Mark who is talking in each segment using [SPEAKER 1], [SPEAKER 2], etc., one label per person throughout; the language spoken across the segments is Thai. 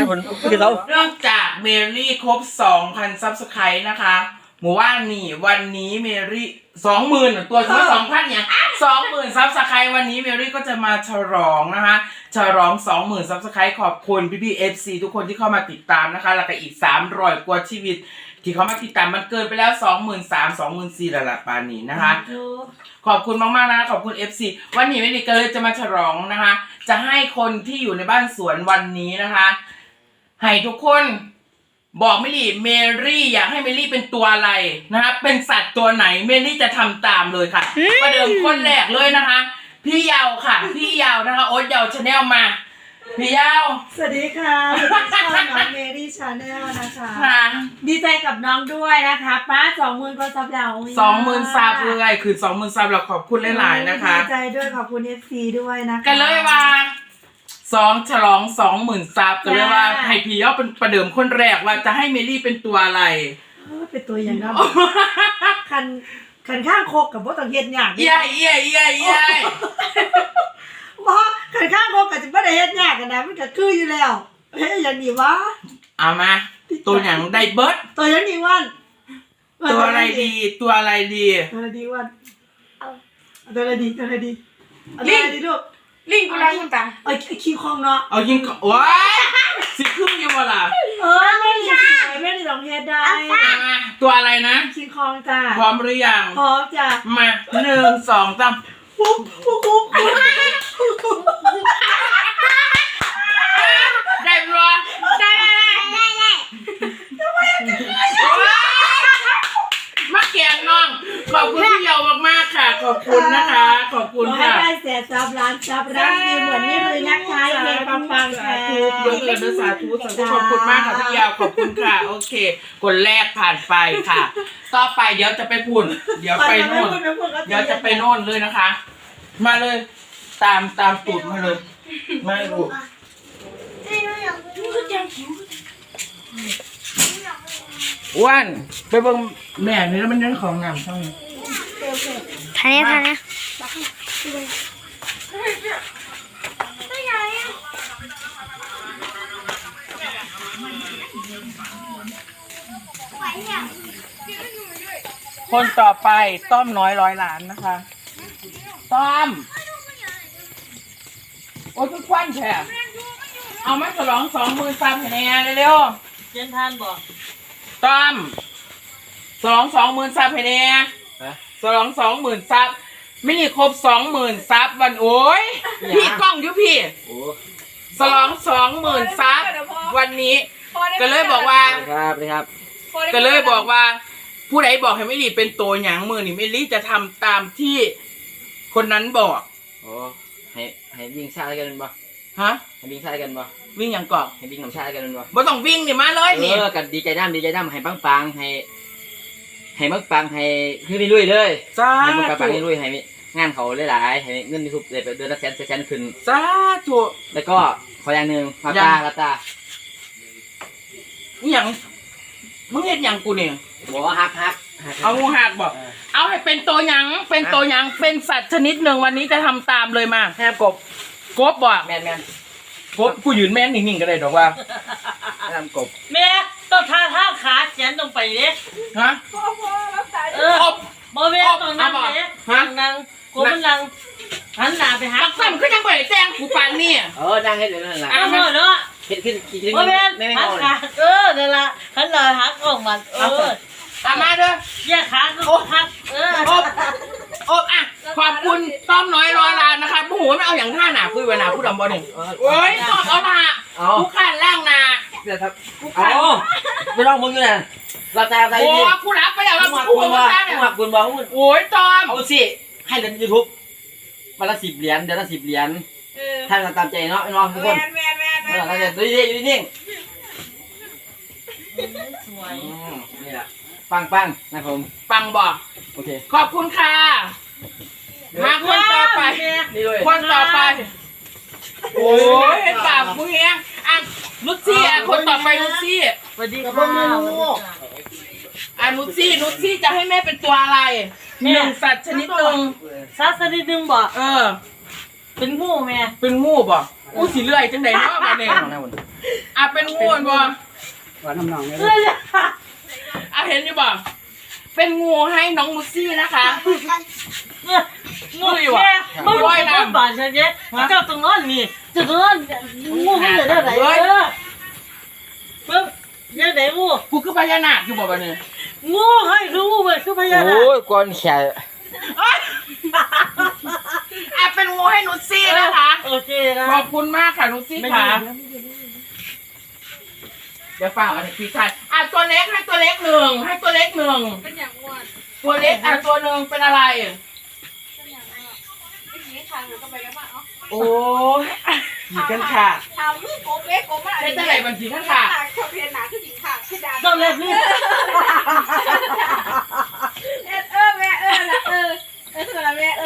[SPEAKER 1] คนคือเขา
[SPEAKER 2] เนื่องจากเมรี่ครบ 2,000 ซับสไครต์นะคะหมู่ว่านี่วันนี้เมรี่20,000ตัวช่วย2,000เนี่ย20,000ซับสไครต์วันนี้เมรี่ก็จะมาฉลองนะคะฉลอง 20,000 ซับสไครต์ขอบคุณพี่ๆ FC ทุกคนที่เข้ามาติดตามนะคะแล้วก็อีก300 กว่าชีวิตที่เขามาติดตามมันเกินไปแล้ว 23,000 24,000แล้วล่ะปานนี้นะคะขอบคุณมากๆนะขอบคุณ FC วันนี้เมรี่ก็เลยจะมาฉลองนะคะจะให้คนที่อยู่ในบ้านสวนวันนี้นะคะให้ทุกคนบอกเมรี่อยากให้เมรี่เป็นตัวอะไรนะคะเป็นสัตว์ตัวไหนเมรี่จะทำตามเลยค่ะประเดิมคนแรกเลยนะคะพี่เยาค่ะพี่เยานะคะโอ๊ตเยาชาแนลมาพี่เยา
[SPEAKER 3] สวัสดีค่ะช่องน้องเมรี่ชาแนลนะคะดีใจกับน้องด้วยนะคะป้า20,000 ก็ซับแล้ว
[SPEAKER 2] 20,000 ซับเลยคือ20,000 ซับเราขอบคุณหลายๆนะคะ
[SPEAKER 3] ดีใจด้วยขอบคุณ FC ด้วยนะคะ
[SPEAKER 2] กันเลยว่าฉลอง 20,000 ซับกันเลยว่าให้พี่เยาเป็นประเดิมคนแรกว่าจะให้เมรี่เป็นตัวอะไร
[SPEAKER 3] เป็นตัวอย่างนั้นขันข้างโคกกับว่าต้องเฮ็ดยาก
[SPEAKER 2] เย่
[SPEAKER 3] บ่ขันข้างโคกกับจะบ่ได้เฮ็ดยากกันนะมันก็คืออยู่แล้วเฮ้ยอย่างนี้วะ
[SPEAKER 2] เอามาตัวอย่างได้เบิร์ด
[SPEAKER 3] ตัวอย่างนี้วัน
[SPEAKER 2] ตัวอะไรดี
[SPEAKER 3] ตัวอะไรดีวันตัวอะไรดีลูก
[SPEAKER 1] ลิงกูรักคุณตา
[SPEAKER 3] ขี้คองเนาะ
[SPEAKER 2] เอายิงว้าสิครึ่งยังวะล่ะ
[SPEAKER 3] ไม่ได้ลองเฮ็ดได้
[SPEAKER 2] ตัวอะไรนะ
[SPEAKER 3] ขี้คองจ้า
[SPEAKER 2] พร้อมหรือยัง
[SPEAKER 3] พร้อมจ้า
[SPEAKER 2] มา1 2 3ได้ปะได้มาแกงน้องขอบคุณพี่เยามากๆค่ะขอบคุณนะคะขอบคุณค่ะ
[SPEAKER 3] ได้แสนซับล้านซับรักดีเหมือนนี่เลยนะคะเพลงปังๆค่ะ
[SPEAKER 2] ยกเลยนะสาธุขอบคุณมากค่ะพี่เยาขอบคุณค่ะโอเคคนแรกผ่านไปค่ะต่อไปเดี๋ยวจะไปพูดเดี๋ยวไปโน่นเดี๋ยวจะไปโน่นเลยนะคะมาเลยตามตูดมาเลยมาลูกอ้วนไปเบิ่งแม่นี่แล้วมันยังของน้ำช่องนี้
[SPEAKER 1] ท่านี้
[SPEAKER 2] คนต่อไปต้อมน้อย100 ล้านนะคะต้อมโอ้ยทุกควันแช่เอามาฉลอง20,000 ซับให้แน่เร็ว
[SPEAKER 3] เจนทานบอก
[SPEAKER 2] ต้อม20,000 ซับให้แน่ฉลอง20,000 ซับไม่นี่ครบ20,000 ซับวันโอ้ยพี่กล้องอยู่พี่ฉลอง20,000 ซับวันนี้ก็เลยบอกว่า
[SPEAKER 1] ครับ
[SPEAKER 2] ก็เลยบอกว่าผู้ใดบอกให้ไม่รีเป็นตัวหยางมือนี่ไม่รีจะทำตามที่คนนั้นบอก
[SPEAKER 1] โอ้ให้วิ่งชากันบ่
[SPEAKER 2] ฮะ
[SPEAKER 1] ให้วิ่งชากันบ่
[SPEAKER 2] วิ่งอย่างก่อน
[SPEAKER 1] ให้วิ่งน้ำชากันบ่
[SPEAKER 2] บ่ต้องวิ่งนี่มาเลยนี่
[SPEAKER 1] กันดีใจน้ำให้ปังให้ปังให้ขึ้นลุยเลยให้มึงปังลุยให้งานเขาหลายให้เงินทุกเดือนละแสนขึ้น
[SPEAKER 2] สาธุ
[SPEAKER 1] แล้วก็ขออย่างหนึ่งลาตา
[SPEAKER 2] นี่อย่างมึงเห็นอย่างกูเนี่ย
[SPEAKER 1] บอกว่าฮัก
[SPEAKER 2] เอางูหักบอกเอาให้เป็นตัวหยังเป็นสัตว์ชนิดหนึ่งวันนี้จะทำตามเลยมา
[SPEAKER 1] แทบกบ
[SPEAKER 2] บอก
[SPEAKER 1] แมน
[SPEAKER 2] กบกูยืนแม่นนิ่งๆก็ได้ดอกว่า
[SPEAKER 1] ทำกบ
[SPEAKER 3] แม่ต้องท่าขาเขียนตรงไปเลย
[SPEAKER 2] ฮะ
[SPEAKER 3] บ่แม่ต้องนั่งเลยนั่งกบมันนั่งหันหน้าไปหา
[SPEAKER 2] ซ้ำก็ยังบ่ได้แจ้งกูปานนี่
[SPEAKER 1] นั่งให้เดี๋ยวนั่นแหละ
[SPEAKER 3] เนาะ
[SPEAKER 1] ขึ้น
[SPEAKER 3] บ่แม่หันขานั่นล่ะหันหน้าหักออกมัน
[SPEAKER 2] มาเด้อ
[SPEAKER 3] แยกขาก็หัก
[SPEAKER 2] อ่ะขอบคุณต้อมน้อย100 ล้านนะคะผู้หัวไม่เอาอย่างท่าหนาคุยเวลาผู้ดำบอลนี่โอ้ยตอบเอาละผู้ขันล่างนา
[SPEAKER 1] เดี๋ยวครับไม่ต้องมึงอยู่นะเราใจ
[SPEAKER 2] โอ้ผู้รับไปแล้ว
[SPEAKER 1] ผู้หัวหักบุญบอก
[SPEAKER 2] โอ้ยต้อม
[SPEAKER 1] เอาสิให้เล่นยูทูบวันละ10 เหรียญเดือนละ10 เหรียญท่านตามใจเนาะน้องทุกคนเราจะดูดีอยู่นิ่ง
[SPEAKER 3] สวย
[SPEAKER 1] นี่แหละปังนะผม
[SPEAKER 2] ปังบอก
[SPEAKER 1] โอเค
[SPEAKER 2] ขอบคุณค่ะมาคนต่อไปโอ้ยเห็นปากมึงเองอ่ะนุชซี่คนต่อไปนุชซี่
[SPEAKER 3] สวัสดีค่ะ
[SPEAKER 2] นุชซี่จะให้แม่เป็นตัวอะไร1 สัตว์ชนิดหนึ่ง
[SPEAKER 3] สัตว์ชนิดหนึ่งบอกเป็นงูแม่
[SPEAKER 2] เป็นงูบ่อู้สิเลื่อยจังไดเนาะบ่เนี่ยเป็นงูบ่
[SPEAKER 4] ว่าน้ำหนองเนี่ย
[SPEAKER 2] เห็นอยู่บ่เป็นงูให้น้องลูซี่นะคะ
[SPEAKER 3] งูอยู่อ่ะมึงว่ายน้ำบาดฉันเนี่ยเจ้าตรงนั้นนี่เจ้าตรงนั้นงูมันเหลือได้ไหนปึ๊บยังไหนงู
[SPEAKER 2] กูคือพญานาคอยู่บ่บ่เนี่ย
[SPEAKER 3] งูให้คืองูไปคือพญานาค
[SPEAKER 1] โอ้ยก้อนแขน
[SPEAKER 2] เป็นงูให้นุชซี่นะคะ
[SPEAKER 3] โอเคนะ
[SPEAKER 2] ขอบคุณมากค่ะนุชซี่ค่ะเดี๋ยวฟังอันนี้พี่ชายตัวเล็กให้ตัวเล็กหนึ่งให้ตัวเล็กหนึ่ง
[SPEAKER 5] เป็นอย่างอ้วน
[SPEAKER 2] ตัวเล็กตัวหนึ่งเป็นอะไร
[SPEAKER 5] เป็นอย่างอ้วนไอ้ขี้ทางหรือก็ไปกันบ้างเนาะ
[SPEAKER 2] โอ้ยผีกันค่ะ
[SPEAKER 5] ทางลูกโกเล็กโกมาก
[SPEAKER 2] ได้แต่ไหนบัญชีกันค่ะ
[SPEAKER 5] ชอบเรียนหนาคือหญิงค่ะคือดา
[SPEAKER 3] ต้องเล็บนี่
[SPEAKER 5] แม่ละคือละแม่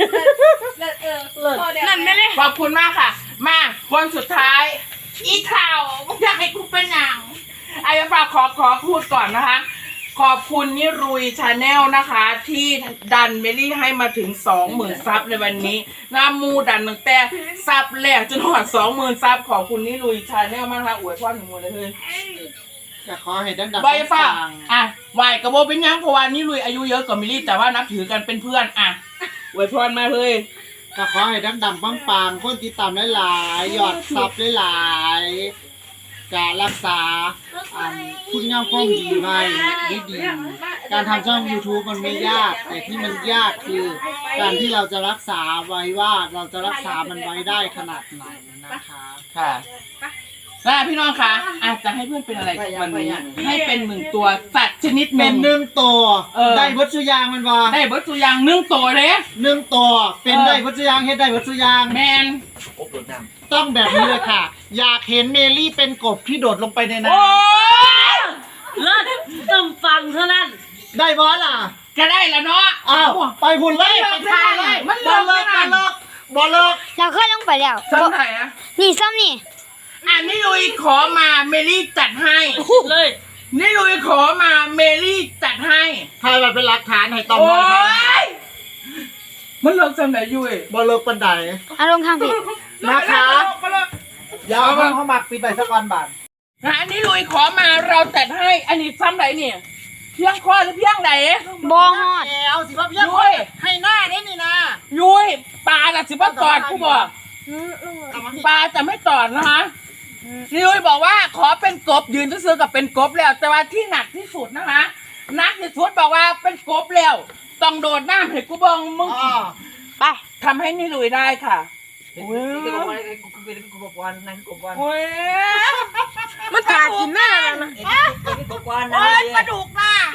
[SPEAKER 5] นั่นไม่ได้
[SPEAKER 2] ขอบคุณมากค่ะ มาคนสุดท้าย อีข่าวมึงอยากให้กูเป็นหนังไอ้ฝากขอพูดก่อนนะคะ ขอบคุณนิรุยชาแนลนะคะ ที่ดันเมลี่ให้มาถึง 20,000 ซับในวันนี้น้ำมูดันตั้งแต่ซับแรกจนหอด 20,000 ซับขอบคุณนิรุยชาแนลมากค่ะอวยพรถึงมูลเลย
[SPEAKER 4] จะขอให้ดังๆ
[SPEAKER 2] ใบฟ้าไหวกระโบเป็นยังเพราะว่านิรุยอายุเยอะกว่าเมลี่แต่ว่านับถือกันเป็นเพื่อนอวยพรมาเลย
[SPEAKER 4] ก็ขอให้ดังๆปังๆคนติดตามหลายๆยอดซับหลายๆการรักษาคุณงามความดีไว้ดีๆการทำช่อง YouTube มันไม่ยาก แต่ที่มันยากคือการที่เราจะรักษาไว้ว่าเราจะรักษามันไว้ได้ขนาดไหนนะคะ
[SPEAKER 2] ค่ะพี่น้องคะจะให้เพื่อนเป็นอะไรวันนี้ให้เป็น1 ตัวสัตว์ชนิดห
[SPEAKER 4] เป็
[SPEAKER 2] นึ่ง
[SPEAKER 4] น1 ตัวได้วัตถุยางมันว่า
[SPEAKER 2] ได้เบิร์ตตัวอย่าง1 ตัวเลย
[SPEAKER 4] 1 ตัวเป็นได้วัตถุยางเฮ็ดได้วัตถุยาง
[SPEAKER 2] แมน
[SPEAKER 1] อบโดดน้
[SPEAKER 4] ต้องแบบนี้เลยค่ะ อยากเห็นเมลี่เป็นกบที่โดดลงไปในน้
[SPEAKER 2] โอ้ย
[SPEAKER 3] เลิศต้องฟังเท่านั้น
[SPEAKER 4] ำได้บอสล่ะ
[SPEAKER 2] จะได้แล้วเนาะ
[SPEAKER 4] อ้าวไปหุ่นเลยไปท่าเลย
[SPEAKER 2] มัน
[SPEAKER 4] บอลเลิก
[SPEAKER 2] ไม่
[SPEAKER 4] บอล
[SPEAKER 2] ได้
[SPEAKER 4] เลิกบอลเลิก
[SPEAKER 5] เราเคยลงไปแล้ว
[SPEAKER 2] ซ้ำไหนอะ
[SPEAKER 5] นี่ซ้ำนี่
[SPEAKER 2] นี่ลุยขอมาเมลี่จัดให้
[SPEAKER 3] เลย
[SPEAKER 2] นี่ลุยขอมาเมลี่จัดให้
[SPEAKER 4] ถ่ายแบบเป็นหลักฐานให้ตอม
[SPEAKER 2] โอ้
[SPEAKER 4] บอล
[SPEAKER 2] ยมันเลิกซ้ำไหนยุ้ย
[SPEAKER 4] บอลเลิกปันได
[SPEAKER 5] อารมณ์ทางผิด
[SPEAKER 4] นะคะ ยาวเข้ามาปิดใบสะกอนบาท
[SPEAKER 2] นี่ลุยขอมาเราจัดให้ อันนี้ซ้ำไหนเนี่ยเพียงคอหรือเพียงไหน
[SPEAKER 5] บอฮอด
[SPEAKER 4] แอวสิว่าพี่ยัก
[SPEAKER 2] ยุ้ย
[SPEAKER 4] ให้หน้าได้นี่นะ
[SPEAKER 2] ยุ้ยปลาน่ะสิบ่ตอดกูบอกปลาจะไม่ตอดนะคะยุ้ยบอกว่าขอเป็นกบยืนซื้อกับเป็นกบแล้ว แต่ว่าที่หนักที่สุดนะคะหนักที่สุดบอกว่าเป็นกบแล้วต้องโดดน้ำให้กูบองมึง
[SPEAKER 4] อ๋อ
[SPEAKER 5] ไป
[SPEAKER 2] ทำให้นี่ลุยได้ค่ะ
[SPEAKER 1] ำเป็นกบวันเป็นกบวันนั่นกบวัน
[SPEAKER 2] โอ้ย
[SPEAKER 5] มันขาดกินแม่แล้วนะ
[SPEAKER 1] เป็นกบวันนะ
[SPEAKER 2] โอ้ยปลาดุกน่ะ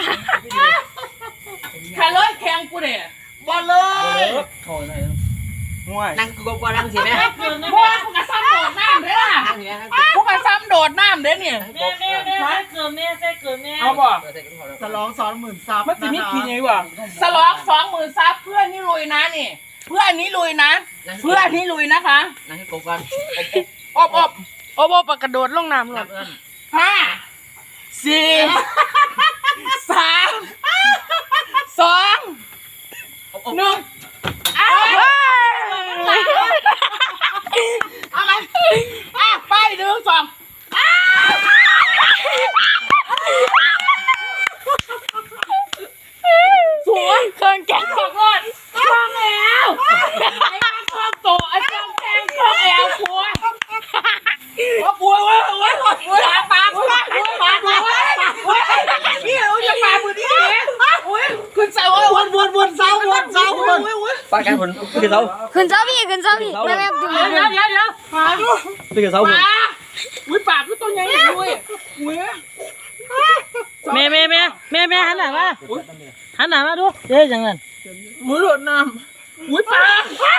[SPEAKER 2] ขาเลยแข็งกูเนี่ย
[SPEAKER 4] บอลเลิ
[SPEAKER 1] โอ้
[SPEAKER 4] ก
[SPEAKER 1] ยโอ้ยนั่งกบวันนั่งสิแม่
[SPEAKER 2] เพราะว่ากูกระซ้ำโดดน้ำเด้อ
[SPEAKER 1] นั่งสิแม่นั่ง
[SPEAKER 2] กูกระซ้ำโดดน้ำเด้อเนี่ย
[SPEAKER 3] แม่เกิดแม่เกิดแม่
[SPEAKER 2] เอาบ่
[SPEAKER 4] ฉลอง20,000ซับ
[SPEAKER 2] มันจะ
[SPEAKER 4] นะ
[SPEAKER 2] มี
[SPEAKER 4] คะ
[SPEAKER 2] กินยังไงวะสล็อก20,000 ซับเพื่อนนี่ลุยนะนี่ เพื่อนนี่ลุยนะ เพื่อนนี่ลุยนะคะ
[SPEAKER 1] นั่งกบวัน
[SPEAKER 2] อบกระโดดลงน้ำหล
[SPEAKER 1] นั
[SPEAKER 2] ด
[SPEAKER 1] บเอิ้น
[SPEAKER 2] 5 4 3 2 1เอาไหมไป1 2สวยเครื่องแกงขอบคุณช่องแล้วไอ้ช่องโตไอ้ช่องแกงช่องแล้วครัวกลัวเว้ยปลาพี่เอาจะปลามือนี่เนี่ยคุณใส่ว่า
[SPEAKER 4] วนเสา
[SPEAKER 1] ปากกันผลคือเขา
[SPEAKER 5] ขึ้นเจ้าพี่แม่ดู
[SPEAKER 3] เดี๋ยว
[SPEAKER 1] คือเขาผล
[SPEAKER 2] ปลาคือตัวใหญ่ด้วย
[SPEAKER 3] แม่หันหน้ามาดูเดี๋ยวอย่างนั้น
[SPEAKER 2] มือหลดน้ำปลา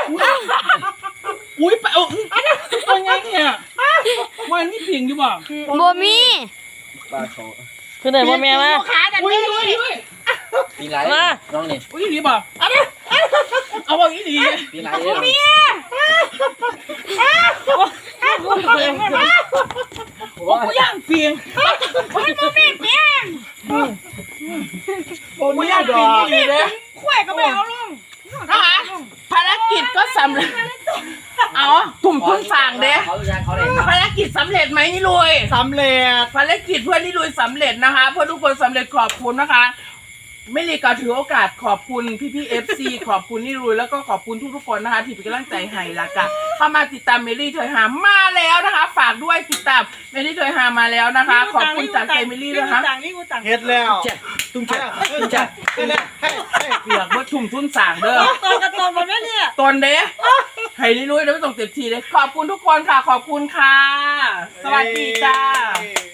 [SPEAKER 2] ปลาตัวใหญ่เนี่ยวันนี้ผิงอยู่บ่
[SPEAKER 5] โบมี
[SPEAKER 1] ปลาเขา
[SPEAKER 3] คือไหนว่าแม่มา
[SPEAKER 2] ขาดันด้วย
[SPEAKER 1] ปีไรน้องนี่
[SPEAKER 2] อุ้ยดีบ่เอาว่าอีดี
[SPEAKER 1] ปีไรเนี่ย
[SPEAKER 2] กูย่างเปียงกูย่างเปียงดีเลย
[SPEAKER 5] ข่วยก็ไม่เอาลง
[SPEAKER 2] นะคะภารกิจก็สำเร็จำเร็จไหมนี่ลุย
[SPEAKER 4] สำเร็จ
[SPEAKER 2] ภารกิจเพื่อนนี่ลุยสำเร็จนะคะ เพื่อนทุกคนสำเร็จขอบคุณนะคะไม่รีก็ถือโอกาสขอบคุณพี่ๆ FC ขอบคุณนี่ลุยแล้วก็ขอบคุณทุกๆคนนะคะที่เป็นกำลังใจให้ละกันเข้ามาติดตามเมลี่เธอหามาแล้วนะคะ ฝากด้วยติดตามเมลี่เธอหามาแล้วนะคะ ขอบคุณจากใจเมลี่ด้วยนะคะ
[SPEAKER 4] เฮ็ดแล้ว
[SPEAKER 1] ตุ้งแช่ตุ้งแช่
[SPEAKER 2] เปียกเมื่อทุ่มทุนสั่งเด้อ
[SPEAKER 3] ตัวกระตนมันไม่เนี่ย
[SPEAKER 2] ตนเด้ให้นี่ลุยแล้วไม่ต้องเต็มทีเลยขอบคุณทุกคนค่ะขอบคุณค่ะ สวัสดีจ้า
[SPEAKER 4] เย้